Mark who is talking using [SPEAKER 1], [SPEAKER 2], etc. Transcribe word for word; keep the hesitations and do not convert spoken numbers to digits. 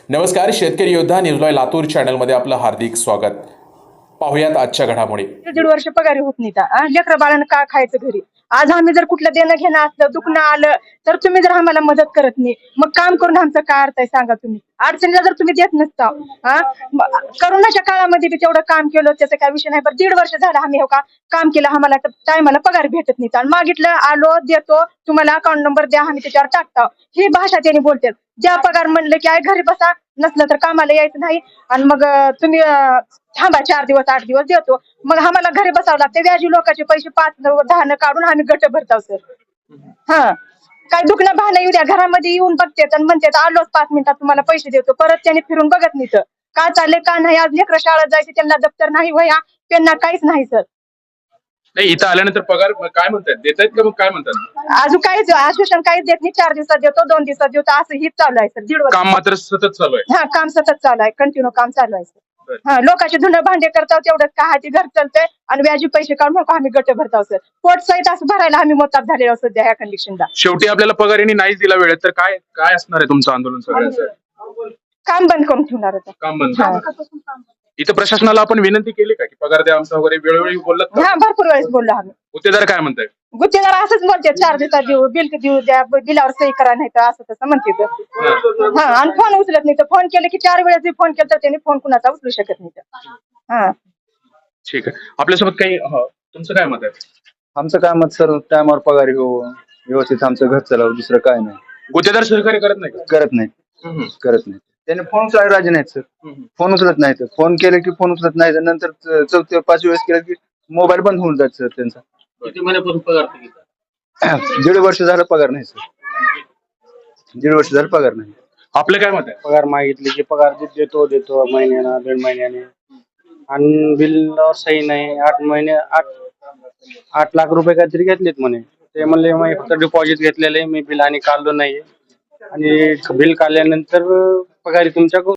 [SPEAKER 1] नमस्कार, शेतकरी योद्धा न्यूज लाईव्ह लातूर चॅनलमध्ये आपलं हार्दिक स्वागत. पाहुयात आजच्या घडामोडी.
[SPEAKER 2] दीड वर्ष पगारी होत नाही. लेकरं बाळानं का खायचं घरी? आज आम्ही जर कुठलं देणं घेणं असलं, दुखणं आलं तर तुम्ही जर आम्हाला मदत करत नाही, मग काम करून आमचं काय अर्थ आहे सांगा तुम्ही? अडचणीला जर तुम्ही देत नसता, हा करोनाच्या काळामध्ये बी तेवढं काम केलं, त्याचा काय विषय नाही. पण दीड वर्ष झालं आम्ही हो का काम केलं, आम्हाला टायमाला पगार भेटत नाही. आणि मागितलं आलो देतो, तुम्हाला अकाउंट नंबर द्या, आम्ही त्याच्यावर टाकतो. ही भाषा त्यांनी बोलतात. ज्या पगार म्हणलं की आहे घरी बसा, नसलं तर कामाला यायचं नाही. आणि मग तुम्ही थांबा चार दिवस आठ दिवस देतो, मग आम्हाला घरी बसावं लागते. व्याजी लोकांचे पैसे पाच दहा न काढून आम्ही गट भरतो सर. हा काय दुखणं भाणं येऊ द्या, घरामध्ये येऊन बघतात आणि म्हणतात आलोच पाच मिनिटात तुम्हाला पैसे देतो. परत त्याने फिरून बघत नाही तर का चालले का नाही. आज लेकरं शाळेत जायचे, त्यांना दप्तर नाही, वह्या त्यांना काहीच नाही सर.
[SPEAKER 3] नाही, इथं आल्यानंतर पगार काय म्हणतात, देत आहेत का? मग काय म्हणतात?
[SPEAKER 2] अजून काहीच आश्वासन काहीच देत नाही. चार दिवसात देतो, दोन दिवसात देतो, असं हीच चालू आहे सर. दीड वर्ष
[SPEAKER 3] काम मात्र सतत चालू आहे.
[SPEAKER 2] हा काम सतत चालू आहे, कंटिन्यू काम चालू आहे सर. हा लोकांचे धुणं भांडे करताव तेवढंच का हाती घर चालतंय आणि व्याजी पैसे काढून आम्ही गट भरताव सर. पोट सहित असं भरायला आम्ही मोताब झालेलो सध्या ह्या कंडिशनला.
[SPEAKER 3] शेवटी आपल्याला पगार यांनी नाहीच दिला वेळेत, तर काय काय असणार आहे तुमचं आंदोलन सगळ्यांचं?
[SPEAKER 2] काम बंद करून ठेवणार होतं.
[SPEAKER 3] काम बंद. इथं प्रशासनाला आपण विनंती केली का की पगार द्या आमचा वगैरे? वेळोवेळी बोललात का?
[SPEAKER 2] हा भरपूर वेळेस बोललो आम्ही.
[SPEAKER 3] गुत्तेदार काय म्हणताय?
[SPEAKER 2] गुत्तेदार असंच म्हणते, चार दिवसात देऊ, बिल देऊ द्या, बिलावर सही करा, नाही तर असं तसं म्हणते. हा आणि फोन उचलत नाही तर फोन केले की चार वेळेस फोन केला तर त्यांनी फोन कुणाचा उचलू शकत नाही तर. हा
[SPEAKER 3] ठीक आहे. आपल्यासोबत काही हो, तुमचं काय मत आहे?
[SPEAKER 4] आमचं काय मत सर, टायमावर पगार हो, व्यवस्थित आमचं घर चालवं, दुसरं काय नाही.
[SPEAKER 3] गुत्तेदार सहकार्य करत नाही का?
[SPEAKER 4] करत नाही करत नाही त्याने फोन उचलायला राजी नाहीत सर. फोन उचलत नाहीत. फोन केले की फोन उचलत नाही. नंतर चौथ्या पाच वेळेस केलं की मोबाईल बंद होऊन जात सर त्यांचा.
[SPEAKER 3] किती महिन्यापासून पगार?
[SPEAKER 4] दीड वर्ष झालं पगार नाही सर. दीड वर्ष झालं पगार नाही.
[SPEAKER 3] आपलं काय मत आहे?
[SPEAKER 5] पगार मागितली की पगार देतो देतो महिन्यानं दीड महिन्याने, आणि बिलवर सही नाही. आठ महिने आठ आठ लाख रुपये काहीतरी घेतलेत म्हणे. ते म्हणले मी फक्त डिपॉझिट घेतलेले, मी बिल आणि काढलो नाही, आणि बिल काढल्यानंतर पगारी तुमच्या